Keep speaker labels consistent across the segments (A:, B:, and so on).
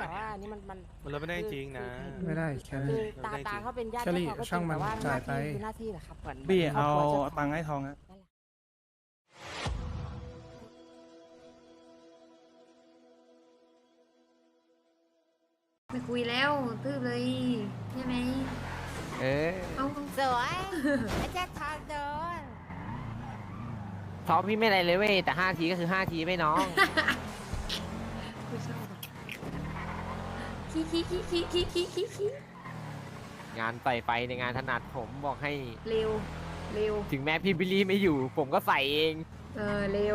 A: แต่ว่าอันนี้มัน
B: มันลดไม่ได้จริงนะ
C: ไม่ได้แค่นั้น
A: คือตาเขาเป็นญาติ
C: เชอรี่
A: เขาก็จ
C: ช่า
A: ริ
C: ง
A: ง
C: มัน
A: แต่ว่าห
C: จ่า
A: น้าย
C: ไป
A: ที่คือหน้าที่แหละครับเหมือน
C: บี้
A: คร
C: เอา
A: บครัวจ้ข
C: ตังค์ให้ทองอะ
A: นั่นแหละ
D: ไม่คุยแล้วตื้อเลยใช่ไหม
E: เออ
D: เอา
A: สวยไอ้แจ็คทางเดิน
E: ท้องพี่ไม่อะไรเลยเว้ยแต่5 ทีก็คือ5 ทีไม่น้อง
D: คุยชอบขี้ขี้ขี้ขี้ขี้ขี้ขี้ขี้
E: งานใส่ไฟในงานถนัดผมบอกให้
D: เร็วเร็ว
E: ถึงแม้พี่บิลลี่ไม่อยู่ ผมก็ใส่เอง
D: เร็ว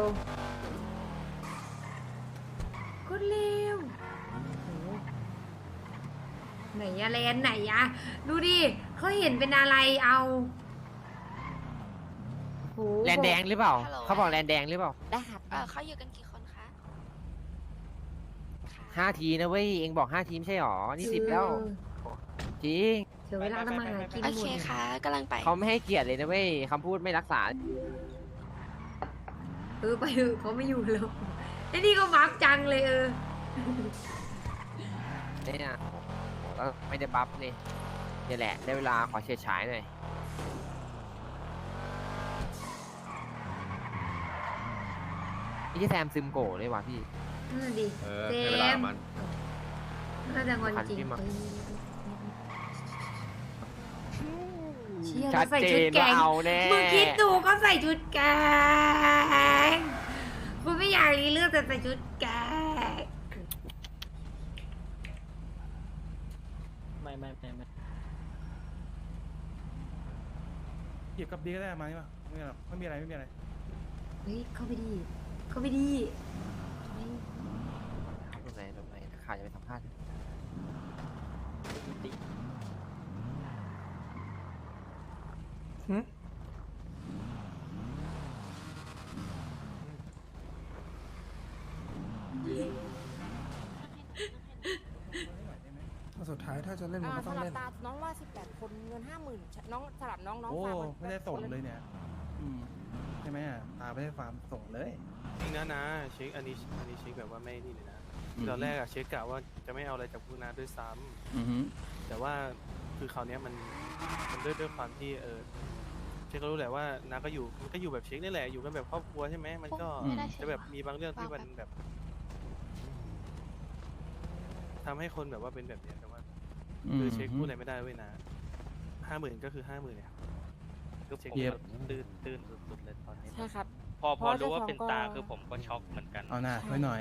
D: ก็เร็วโหไหนอะแลนไหนอะดูดิเขาเห็นเป็นอะไรเอาโห
E: แลนแดงหรือเปล่า
F: ฮัลโหล
E: เขาบอกแลนแดงหรือเปล่า
A: ได้ครับ
F: เขาอยู่กันกี่คนคะ
E: 5 ทีนะเว้ยเองบอก5 ทีไม่ใช่หรอนี่10แล้วจริง
D: เดี๋ยวเวลาทำมาหากิน
F: โอ
D: หม
F: เค
D: ด
F: ค่ะกำลังไป
E: เขาไม่ให้เกียรติเลยนะเว้ยคำพูดไม่รักษา
D: ไปเถอะเขาไม่อยู่แล้วไอ้นี่ก็บัฟจังเลย
E: เนี่ยก็ไม่ได้บัฟเลยนี่แหละได้เวลาขอเฉียดฉายหน่อยนี่แซมซึมโกะเลยว่ะพี่
D: นั่นนะดิ
G: ให้
D: เจ
G: เวลาม มัน
D: น่าจะงอนจริง
E: พันพี่มา
D: เชี่ย
E: ชัด
D: ใส่
E: เจ
D: ชุด
E: น
D: แก
E: ว่าง เอาแน่
D: มึงคิดดูก็ใส่ชุดแกงคุณไม่อยากรีเลือกแต่ใส่ชุดแกง
H: ไม่
C: หยิบกับดีก็ได้มาใช่ปะไม่มีหรอกไม่มีอะไรไม่มีอะไร
D: เฮ้ยเข้าไปดีเข้าไปดี
E: ตรงไหนข่าวจะไปสัมภาษณ์
C: หึสุดท้ายถ้าจะเล่นมันก็ต้อง
A: สำหรับ
C: เล่น
A: ตาน้องว่า18 คนเงิน 50,000น้องสำหรับน้อง
C: โอ้
A: ฝากน
C: ไม่ได้ส่งเลยเนี่ยใช่ไหมอ่ะตาไม่ได้ฟาร์มส่งเลย
B: จริงนะเช็คอันนี้เช็คแบบว่าไม่นี่เลยนะตอนแรกอะเช็คกะว่าจะไม่เอาอะไรจากพวกน้าด้วยซ้ำแต่ว่าคือคราวเนี้ยมันด้วยความที่เช็คก็รู้แหละว่าน้าก็อยู่มันก็อยู่แบบเช็คนี่แหละอยู่กันแบบครอบครัวใช่ไหมมันก็
F: ไม่ได้ใช่
B: จะ
F: ไหม
B: แบบมีบางเรื่องที่มันแบบทำให้คนแบบว่าเป็นแบบเนี้ยแต่ว่าคือเช็คพูดอะไรไม่ได้เว้ยนะ50,000ก็คือ50,000เนี่ยก็เช็คแบบตื่นสุดๆเลยตอนนี้
A: ใช่ครับ
H: พอ
A: เพราะ
H: รู้ว่าเป็น
A: เจ้าของก็
H: ตาคือผมก็ช็อกเหมือนกัน
C: เอาหน้าไว้หน่อย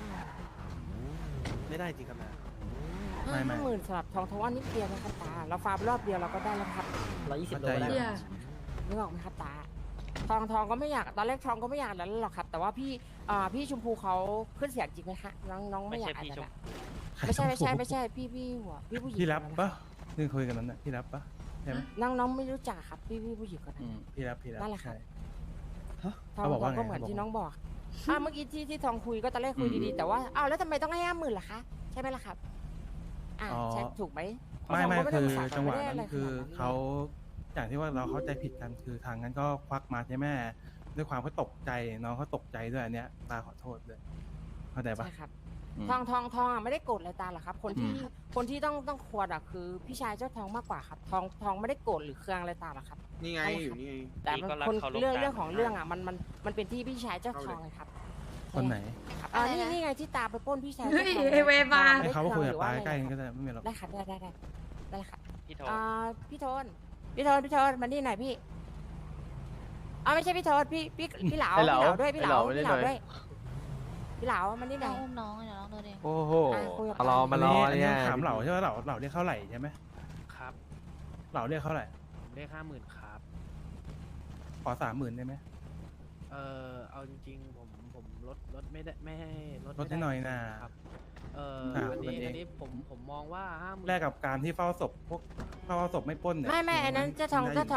B: ไม่ได้จริงครับนะ
C: ไม่
A: 50,000สำหรับทองว่านิดเดียวนะครับตาเราฟาร์มรอบเดียวเราก็ได้แล้วครับ
H: 120 โล
C: เข้าใจ
H: ได้
D: เชี่ย
A: นึกออกไหมครับตาทองก็ไม่อยากตอนแรกทองก็ไม่อยากแล้วหรอกครับ แต่ว่าพี่ชมพูเขาขึ้นเสียงจริงไหมฮะน้องไม่อยากอะไรนะไม่ใช่พี่หัวพี่ผู้หญิง
C: พี่รับ
A: คนนั้น
C: ปะเรื่องคุยกันนั้นน่ะพี่รับปะใช่ไหม
A: น้องไม่รู้จักครับพี่ผู้หญิงคนนั้น
C: พี่รับ
A: นั่นแหละครับ
C: ใช่
A: ทอง
C: เขาบอกว่าไง
A: ก็เหมือน
C: เขาบอก
A: ที่น้องบอกเมื่อกี้ที่ทองคุยก็ตอนแรกคุยดีๆแต่ว่าแล้วทำไมต้องให้50,000ล่ะคะใช่ไหมล่ะครับใช่ถูกไหม
C: ไม่
A: ทองก็ด้
C: คือ
A: ปรึกษา
C: จังหวะ
A: ไม่ได้
C: นั้
A: อะไร
C: นคือ
A: ขนาดนั้น
C: เขาอย่างที่ว่าเราเข้าใจผิดกันคือทางนั้นก็ควักมาใช่ไหมด้วยความเขาตกใจน้องเขาตกใจด้วยอันเนี้ยตาขอโทษด้วยเข้าใจปะ
A: ใช่ครับทองไม่ได้โกรธอะไรตาหรอกครับ คนที่ต้องควรคือพี่ชายเจ้าทองมากกว่าครับทองไม่ได้โกรธหรือเคืองอะไรตาหรอกครับ
G: นี่ไงอยู่นี่ไง
A: แต่เรื่องของเรื่องมันเป็นที่พี่ชายเจ้าทองเลยครับ
C: คนไหน
A: ครับนี่ไงที่ตาไปปล้นพี่ชาย
D: เฮ้ยไอ้เวบา
C: ให้เขามาคุยกับตาใกล้ๆกันก็ได้ไม่มีหรอก
A: ได้ครับได้ครับ
H: พี่โท
A: พี่โทนมานี่หน่อยพี่ไม่ใช่พี่โทนพี่เหลาด้วยพี่เหลาด้วยพี่เหลามันนี่หน่อย
F: อุ้มน้องเดี๋ยวน้องเดินเอง
E: โอ้โห
A: คุยกับ
E: มารอ
C: อัน
E: เนี่
C: นี้
E: ย
C: ถามเหล่าใช่ไหมเหล่าเรียกเท่าไหร่ใช่ไหม
H: ครับ
C: เหล่าเรียกเท่าไหร่
H: ผมได้50,000ครับ
C: ขอ30,000ได้ไหม
H: เอาจริงๆผมลดไม่ได้ไม่ให้ลด
C: ลดให้หน่อยนะ
H: ครับ
C: อ่า
H: อัน
C: ลดเอง
H: นี้ผมมองว่า50,000
C: แลกกับการที่เฝ้าศพพวกเฝ้าศพไม่ปล้นเนี่ย
A: ไม่อันนั้นเจ้าทอง
C: ได้ยู่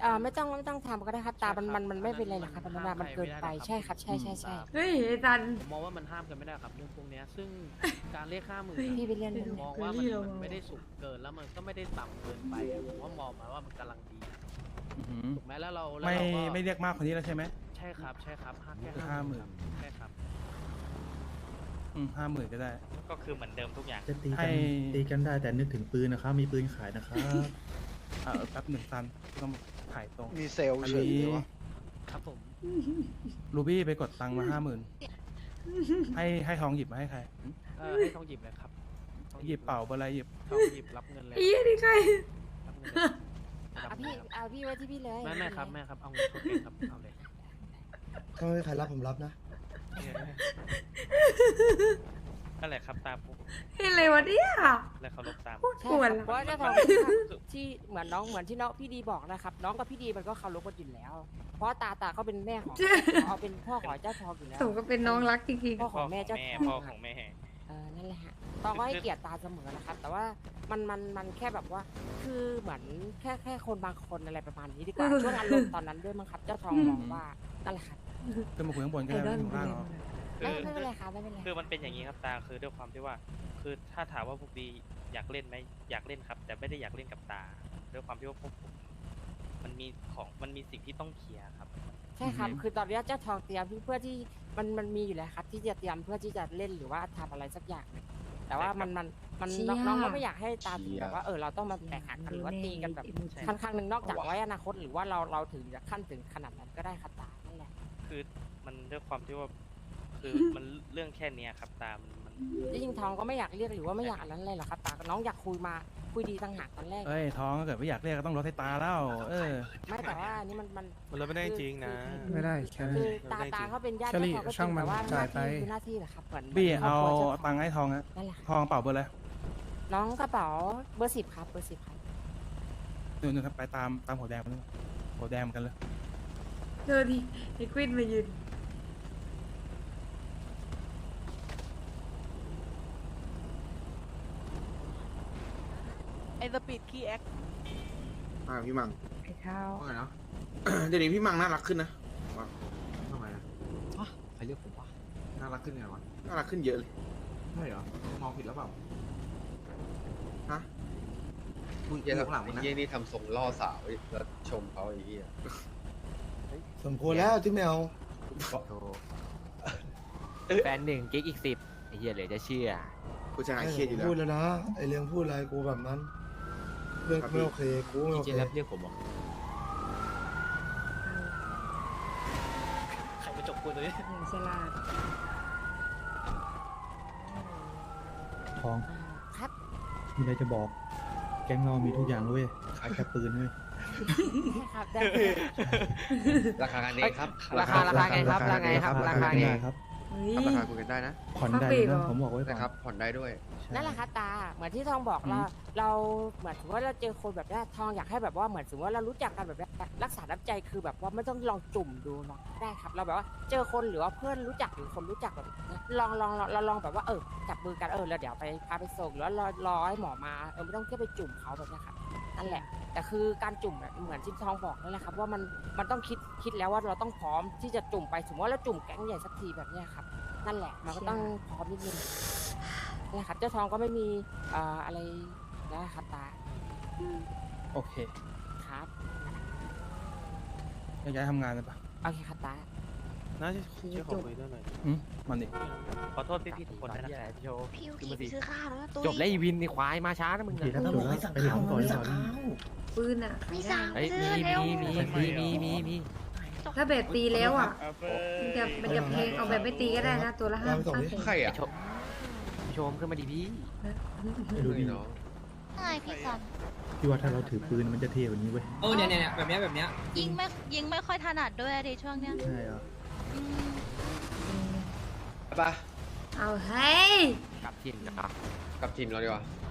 A: ไม่ต้องทำก็ได้ครับตามันไม่เป็นไรหรอกครับมันเกินไปใช่ครับใช่
D: เฮ้ยไอ้ตัน
H: ผมมองว่ามันห้ามกันไม่ได้ครับเรื่องพวกเนี้ยซึ่งการเรียก50,000
A: พี่ไปเรียน
H: ผมมองว่ามันไม่ได้สูงเกินแล้วมันก็ไม่ได้ต่ำเกินไปอะผมว่ามองมาว่ามันกำลังดี
C: อื้อหือ
H: ถูกไหมแล้วเรา
C: ไม่
H: ก็
C: ไม่เรียกมากคนนี้แล้วใช่ไหม
H: ใช่ครับห้าแค่
C: คือ
H: 50,000
C: 50,000
H: ใช่ครับ
C: 50,000ก็ได้
G: ก็คือเหมือนเดิมทุกอย่าง
I: จะตี
C: ให้
I: กันตีกันได้แต่นึกถึงปืนนะครับ มีปืนขายนะครับ
C: แป๊บหนึ่งซันต้องถ่ายตรง
J: มีเซลล์
C: อัน
J: เฉย
C: นี้
J: เลยวะ
H: ครับผม
C: รูบี้ไปกดตังค์มา50,000ให้ทองหยิบมาให้ใคร
H: ให้ทองหยิบเลยครับทอง
C: หยิบเป่าเบอร์อะไรหยิบ
H: ทองหยิบรับเงินเลย
D: ไอ้เหี้ยนี่ใคร
H: รับเงินเลยรับ
A: เอา
H: เงิ
A: พี่
H: นครับ
A: เอาพี่ไว้ที่พี่เลย
H: ไม่ครับแม่ครับเอาเงินเข้าเก็บครับเอาเลย
J: ถ้าไม่มีใครรับผมรับนะ
G: นั่นแหละครับตามผม
D: เฮ้ยอะไรวะเนี่ย
G: และเคารพตาม
D: พูด
A: ใช่
D: กวน
A: ครับเพราะว่าเจ้าทองที่เหมือนน้องเหมือนที่น้องพี่ดีบอกนะครับ น้องกับพี่ดีมันก็เคารพกันอยู่แล้ว เพราะตาเขาเป็นแม่ของเอาเป็นพ่อของเจ้าทองอยู่แล้ว
D: สมก็เป็นน้องรักจริง
A: พ่อของแม่เจ้าท
G: พ่อ
A: อง
G: ของแม่
A: นั่นแหละฮะตองก็ให้เกียรติตาเสมอนะครับ แต่ว่ามันแค่แบบว่า คือเหมือนแค่คนบางคนอะไรประมาณนี้ดีกว่าช่วงอารมณ์ตอนนั้นด้วยมั้งครับ เจ้าทองมองว่านั่นแหละครับ
C: ขึ้นมาคุยข้างบน
D: ๆ
C: ก็
D: ไอ
C: ได้
D: ดอ
C: ไม่
D: ล
C: ถึงล่างหรอก
A: ไม่เป็นไรครับไม่เป็นไร
G: คือมันเป็นอย่างนี้ครับตาคือด้วยความที่ว่า คือถ้าถามว่าพวกดีอยากเล่นไหมอยากเล่นครับ แต่ไม่ได้อยากเล่นกับตาด้วยความที่ว่าพวกผมมันมีสิ่งที่ต้องเคลียร์ครับ
A: ใช่ครับ คือตอนนี้เจ้าทองเตรียมเพื่อที่มันมีอยู่แล้วครับ ที่จะเตรียมเพื่อที่จะเล่นหรือว่าทำอะไรสักอย่างหนึ่งแต่ว่ามัน
D: เชี่ย
A: น้องก็ไม่อยากให้ตามถึงแบบว่าเราต้องมาแตกหักกันหรือว่าตีกันแบบค่อนข้างหนึ่งนอกจากไว้อนาคตหรือว่าเราถึงจะขั้นถึงขนาดนั้นก็ได้ครับตานั่นแหละ
G: คือมันด้วยความที่ว่า คือมันเรื่องแค่เนี้ยครับตามัน
A: จริงๆทองก็ไม่อยากเรียกหรือว่าไม่อยากอะไรเลยหรอกครับตาน้องอยากคุยดีต่างหากตอนแรก
C: เอ้ยท้องถ้าเกิดไม่อยากเรียกก็ต้องลดให้ตาแล้ว
A: ไม่แต่ว่าอันนี้มัน
B: มันเราไม่ได้จริงนะ
C: ไม่ได้แค่นั้น
A: คือตาเขาเป็นญาติ
C: แคลรี่
A: เจ้าทองก็จ
C: ช่าง
A: ริง
C: มัน
A: แต่ว่าห
C: จ่า
A: น้าย
C: ไป
A: ที่คือหน้าที่แหละครับเหมือน
C: บี้
A: คร
C: เอา
A: บครัวจ้ท
C: ตังค์ให้ทองอะ
A: นั่นแหละ
C: ทองเป่าเบอร์อะไร
A: น้องกระเป๋าเบอร์ 10ครับเบอร์ 10ครับ
C: นู่นๆครับไปตามหัวแดงมาเลยหัวแดงเหมือนกันเลย
D: เธอดิไอ้กวินมายืน
H: ไอ้สปีดคีแอค
J: พี่มัง
D: ไอ้ข้าว
J: ว่าไงเนาะ เดี๋ยวนี้พี่มังน่ารักขึ้นนะว่าทำไมอะ
H: ใครเรียกผมวะ
J: น่ารักขึ้นไงวะน่ารักขึ้นเยอะเลยใช่เหรอมองผิดแล้วเปล่าฮะมึงเจอข้างหลังมึงนะ
K: เยี่ยนี่ทำทรงล่อสาวแล้วชมเขาไอ้เหี้ย
J: สมควรแล้วที่แมว
E: แฟน1กิ๊กอีก10ไอ้เหี้ยเหลยจะเชื่อ
J: กูจะหายเครียดอยู่แล้ว
L: พูดแล้วนะไอเรื่องพูดอะไรกูแบบนั้น เรื่องไม่โอเคกูไม่โอ
E: เจ
L: เค
E: รับเรียกผมเหรอ
H: ใครมาจบกูตัวนี้
D: อย่างฉลาด
I: ทอง
A: ครับ
I: มีอะไรจะบอก แก๊งเรามีทุกอย่างเลยเว้ยขายแค่ปืนเว้ย
A: ใช่ครับได้
K: ราคากันเองครับ
E: ราคาไงครับราคาไงครับราคาไง
I: ครับ
D: เฮ้ย
K: ราคาคุยกันได้นะ
I: ผ่อนได้
D: ฟักเบรกเหร
I: นะ
D: อ
I: ผมบอกไว้ก่อน
K: นะครับ ผ่อนได้ด้วย
I: ใช่
A: นั่นแหละครับตาเหมือนที่ทองบอกเราเหมือนถือว่าเราเจอคนแบบนี้ทองอยากให้แบบว่าเหมือนสมมติว่าเรารู้จักกันแบบนี้รักษาน้ำใจคือแบบว่าไม่ต้องลองจุ่มดูหรอกได้ครับ เราแบบว่าเจอคนหรือว่าเพื่อนรู้จักหรือคนรู้จักแบบนี้ลองแบบว่าจับมือกันแล้วเดี๋ยวไปพาไปส่งหรือว่ารอให้หมอมาไม่ต้องแค่ไปจุ่มเขาแบบนี้ครับนั่นแหละแต่คือการจุ่มเหมือนที่ทองบอกนั่นแหละครับว่ามันต้องคิดแล้วว่าเราต้องพร้อมที่จะจุ่มไปสมมติว่าเราจุ่มแก๊งใหญ่สักทีแบบนี้ครับนั่นแหละมันก็ต้องพร้อมนิดนึงนะครับเจ้าทองก็ไม่มีอะไรนะครับตา
C: โอเค
A: ครับ
C: ย้ายทำงานเลยปะ
A: โอเคครับตา
B: น่าจะช่วยขอคุยด้วยหน่อย
C: มันดิ
G: ขอโทษพี่ๆทุกคนด้วยนะครับ
E: โชว์
F: พี่ยูกิไปซื้อข้าวแล้วนะตุ้ย
E: จบแล้วอีวินนี่ควายมาช้านะมึง
I: โอเคถ้าจบแล้วไปถามก่อนดีกว่า
D: ปืนอ่ะ
F: ไม่สั่ง
E: เฮ้ย
F: ซื้อเร็ว
E: มี
D: ถ้าแบบตีแล้วอ่ะ มันจะเพลงเอาแบบไม่ตีก็ได้นะ ตัวละ
L: เอาไปส่งดิ
K: ใครอ่ะ
E: ชมขึ้นมาดิพี่
I: ไม่รู้ดิ
K: เนาะ
F: ไงพี่ซัน
I: พี่ว่าถ้าเราถือปืนมันจะเท่กว่านี้เว้ย
L: เนี่ยแบบเนี้ย
F: ยิงไม่ค่อยถนัดด้วยดิช่วงเนี้ย
I: ใช่เหรอ
F: อืม
K: ไปปะ
D: เอาเฮ้ย
E: กลับถิ่นนะครับ
K: กลับทีมเราดีกว่า